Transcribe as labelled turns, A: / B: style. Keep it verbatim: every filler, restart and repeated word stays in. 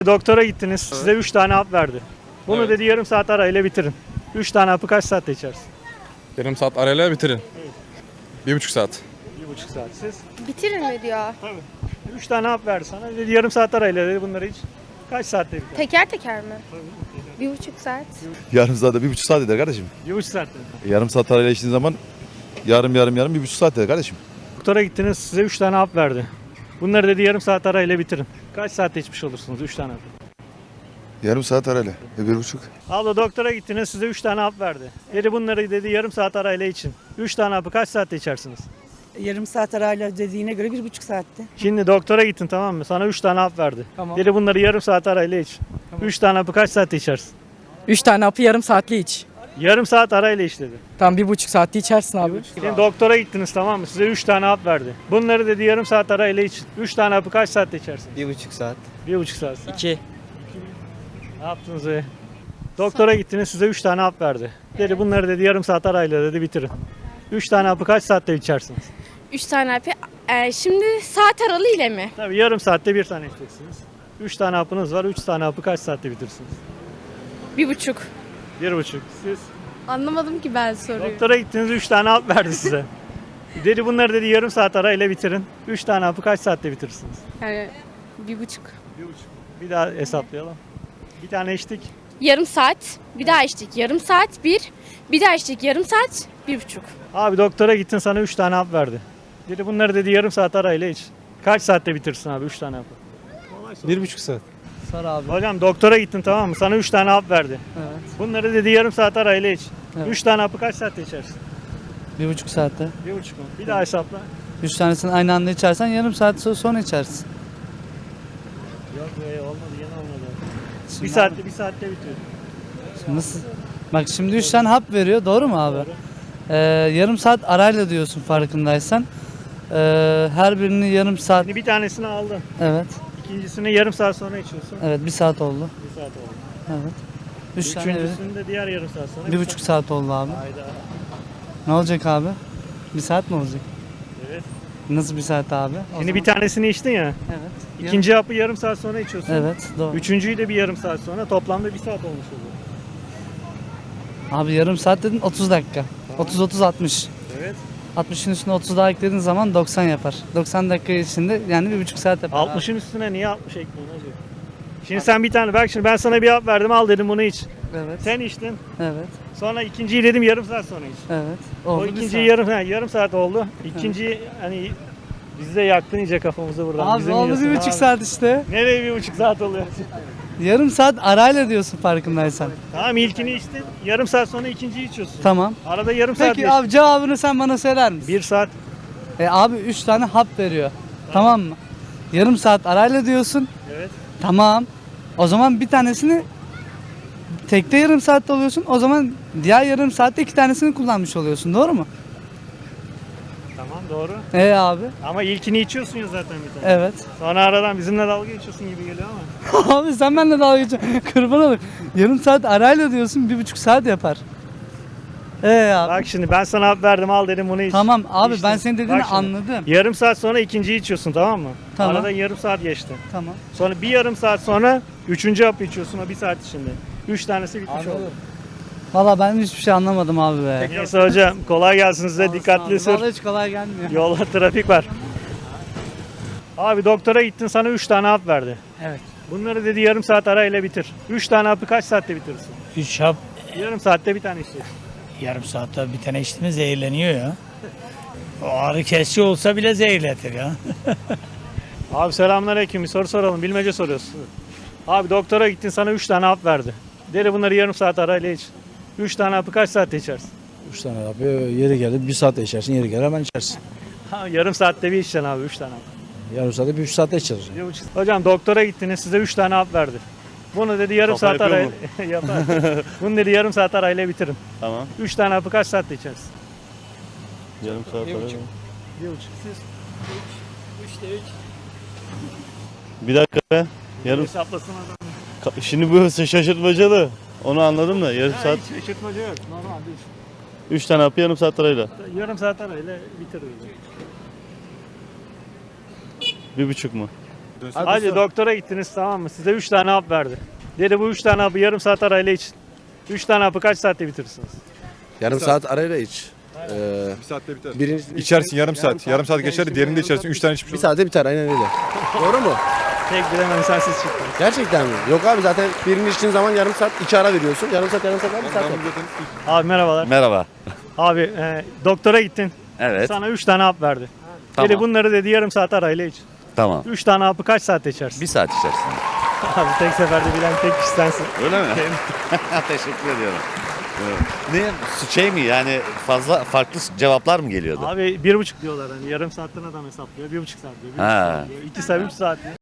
A: Doktora gittiniz. Size üç tane hap verdi. Bunu
B: Evet.
A: dedi yarım saat arayla bitirin. üç tane hapı kaç saatte içersin?
B: Yarım saat arayla bitirin.
A: Evet.
B: Bir buçuk saat.
A: Bir buçuk saat. Siz?
C: Bitirin mi diyor?
A: Tabii. üç tane hap verdi sana. Dedi yarım saat arayla dedi bunları iç. Kaç saatte biter?
C: Teker teker mi? Bir buçuk saat.
D: Yarım saatte bir buçuk saat eder kardeşim.
A: Bir buçuk saatte.
D: Yarım saat arayla içtiğin zaman yarım yarım yarım bir buçuk saat eder kardeşim.
A: Doktora gittiniz. Size üç tane hap verdi. Bunları dedi yarım saat arayla bitirin. Kaç saatte içmiş olursunuz üç tane hap?
D: Yarım saat arayla. E, bir buçuk.
A: Abla doktora gittiniz. Size üç tane hap verdi. Dedi bunları dedi yarım saat arayla için. üç tane hapı kaç saatte içersiniz?
E: Yarım saat arayla dediğine göre bir buçuk saatte.
A: Şimdi doktora gittin, tamam mı? Sana üç tane hap verdi.
F: Tamam.
A: Dedi bunları yarım saat arayla iç. üç tane hapı kaç saatte içersin?
F: Üç tane hapı yarım saatle iç.
A: Yarım saat arayla iç dedi.
F: Tam bir buçuk saatte içersin abi.
A: Şimdi doktora gittiniz, tamam mı? Size üç tane hap verdi. Bunları dedi yarım saat arayla iç. üç tane hapı kaç saatte içersin?
G: Bir buçuk saat.
A: Bir buçuk saat.
F: İki.
A: Ne yaptınız be? Doktora gittiniz, size üç tane hap verdi. Dedi bunları dedi yarım saat arayla dedi bitirin. üç tane hapı kaç saatte içersiniz?
C: Üç tane hapı. Ee, şimdi saat aralığı ile mi?
A: Tabii yarım saatte bir tane içeceksiniz. üç tane hapınız var. üç tane hapı kaç saatte bitirsiniz?
C: Bir buçuk.
A: Bir buçuk. Siz?
C: Anlamadım ki ben soruyu.
A: Doktora gittiniz, üç tane hap verdi size. Dedi bunları dedi yarım saat arayla bitirin. üç tane hapı kaç saatte bitirirsiniz?
C: Yani bir buçuk.
A: Bir buçuk. Bir daha hesaplayalım. Bir tane içtik.
C: Yarım saat. Bir daha içtik. Yarım saat bir. Bir daha içtik. Yarım saat. Bir buçuk.
A: Abi doktora gittin, sana üç tane hap verdi. Dedi bunları dedi yarım saat arayla iç. Kaç saatte bitirsin abi üç tane hapı?
G: Bir buçuk saat.
F: Sar abi.
A: Hocam doktora gittin, tamam mı? Sana üç tane hap verdi.
F: Evet.
A: Bunları dedi yarım saat arayla iç.
F: Evet.
A: üç tane hapı kaç saatte içersin?
H: Bir buçuk saatte.
A: Bir buçuk mu? Bir daha hesapla.
H: Üç tanesini aynı anda içersen yarım saat so- sonra içersin.
A: Yok be, olmadı, yine olmadı.
H: Şimdi
A: Bir saatte bir saatte bitiyor.
H: Nasıl? Bak şimdi üç tane hap veriyor, doğru mu abi? Ee, yarım saat arayla diyorsun farkındaysan. Ee, her birini yarım saat.
A: Şimdi bir tanesini aldın.
H: Evet.
A: İkincisini yarım saat sonra içiyorsun.
H: Evet, bir saat oldu.
A: Bir saat oldu.
H: Evet. Üç tane.
A: Üçüncüsünü de diğer yarım saat sonra.
H: Bir buçuk saat oldu abi.
A: Hayda.
H: Ne olacak abi? Bir saat mi olacak?
A: Evet.
H: Nasıl bir saat abi? O
A: Şimdi bir tanesini içtin ya.
H: Evet.
A: İkinci hapı yarım saat sonra içiyorsun.
H: Evet, doğru.
A: Üçüncüyü de bir yarım saat sonra. Toplamda bir saat olmuş oluyor.
H: Abi yarım saat dedin otuz dakika. otuz otuz altmış.
A: Evet.
H: altmışın üstüne otuz daha eklediğin zaman doksan yapar. doksan dakika içinde yani bir buçuk saat yapar.
A: altmışın üstüne niye altmış ekliyorsun hacı? Şimdi sen bir tane, bak şimdi ben sana bir hap verdim, al dedim bunu iç.
H: Evet.
A: Sen içtin.
H: Evet.
A: Sonra ikinciyi dedim yarım saat sonra iç.
H: Evet.
A: O
H: Oldu bir
A: ikinciyi
H: saat.
A: yarım, ha, yarım saat oldu. İkinciyi hani biz de yaktın iyice kafamızı buradan.
H: Abi
A: Bizim
H: oldu
A: yiyorsun
H: bir buçuk
A: abi.
H: saat işte.
A: Nereye bir buçuk saat oluyor?
H: Yarım saat arayla diyorsun farkındaysan.
A: Tamam, ilkini içtin. Yarım saat sonra ikinciyi içiyorsun.
H: Tamam.
A: Arada yarım saat
H: Peki
A: geçti.
H: abi cevabını sen bana söyler misin?
A: Bir saat.
H: E abi üç tane hap veriyor. Tamam mı? Yarım saat arayla diyorsun.
A: Evet.
H: Tamam. O zaman bir tanesini tekte yarım saatte oluyorsun. O zaman diğer yarım saatte iki tanesini kullanmış oluyorsun. Doğru mu?
A: Tamam, doğru.
H: E abi.
A: Ama ilkini içiyorsun ya zaten bir tane.
H: Evet.
A: Sonra aradan bizimle dalga geçiyorsun gibi geliyor ama.
H: Abi sen benimle dalga geçiyorsun. Kurban olayım. Yarım saat arayla diyorsun bir buçuk saat yapar. Ee abi.
A: Bak şimdi ben sana hap verdim, al dedim bunu iç.
H: Tamam abi
A: İçtin.
H: ben senin dediğini
A: Bak şimdi,
H: anladım.
A: Yarım saat sonra ikinciyi içiyorsun, tamam mı?
H: Tamam.
A: Aradan yarım saat geçti.
H: Tamam.
A: Sonra bir yarım saat sonra üçüncü hapı içiyorsun, o bir saat içinde. Üç tanesi bitmiş oldu.
H: Valla ben hiçbir şey anlamadım abi be.
A: Neyse hocam, kolay gelsin size,
H: Sağ
A: dikkatli
H: olasın abi.
A: sür.
H: Vallahi hiç kolay gelmiyor.
A: Yolda trafik var. Abi doktora gittin, sana üç tane hap verdi.
F: Evet.
A: Bunları dedi yarım saat arayla bitir. üç tane hapı kaç saatte bitirirsin?
I: Üç hap
A: Yarım saatte bir tane içeceksin.
I: yarım saatte bir tane içti mi zehirleniyor ya. O ağrı kesici olsa bile zehirletir ya.
A: Abi selamünaleyküm, bir soru soralım, bilmece soruyoruz. Abi doktora gittin, sana üç tane hap verdi. Dedi bunları yarım saat arayla iç. üç tane hapı kaç saatte içersin?
G: Üç tane abi yeri geldi bir saatte içersin yeri gelir hemen içersin.
A: Ha, yarım saatte bir içeceksin abi, üç tane hap.
G: Yarım saatte bir üç saatte içeriz.
A: Bir buçuk- Hocam doktora gittiniz, size üç tane hap verdi. Bunu dedi yarım
B: Kafa
A: saat
B: yapıyor
A: arayla yapar. Bunu dedi yarım saat arayla bitirin.
B: Tamam.
A: üç tane hapı kaç saatte içersin?
B: Yarım saat
F: Bir buçuk.
A: Bir buçuk. Siz
F: Üçte üç.
B: Bir dakika be. Yarım.
A: hesaplasın adam.
B: Şimdi bu şaşırtmacalı. Onu anladım da yarım
A: Ha,
B: saat.
A: hiç şaşırtmaca yok. Normal değil.
B: Üç tane hapı yarım saat arayla.
A: Yarım saat arayla bitir.
B: Bir buçuk mu?
A: Hadi doktora gittiniz tamam mı? Size üç tane hap verdi. Dedi bu üç tane hapı yarım saat arayla için. üç tane hapı kaç saatte bitirirsiniz?
J: Yarım saat arayla iç. Ee,
D: Bir saatte biter.
J: birinci,
D: İçersin yarım saat. Yarım saat geçer, diğerini de içersin. Üç tane içmiş
J: bir saatte biter aynen öyle. Doğru mu?
A: Tek bilemem sensiz çıktınız.
J: Gerçekten mi? Yok abi zaten birini içtiğin zaman yarım saat iki ara veriyorsun. Yarım saat yarım saat var bir saat var.
A: Abi merhabalar.
K: Merhaba.
A: Abi e, doktora gittin.
K: Evet.
A: Sana üç tane hap verdi.
K: Tamam.
A: Dedi bunları dedi yarım saat arayla iç.
K: Tamam.
A: üç tane hapı kaç saatte içersin?
K: Bir saat içerisinde.
A: Abi tek seferde bilen tek kişi sensin.
K: Öyle mi? Teşekkür ediyorum. Ne şey mi yani fazla farklı cevaplar mı geliyordu?
A: Abi bir buçuk diyorlar hani yarım saatten adam hesaplıyor. Bir buçuk saat diyor. Bir
K: Ha.
A: buçuk saat diyor. İki saat, üç saat diyor.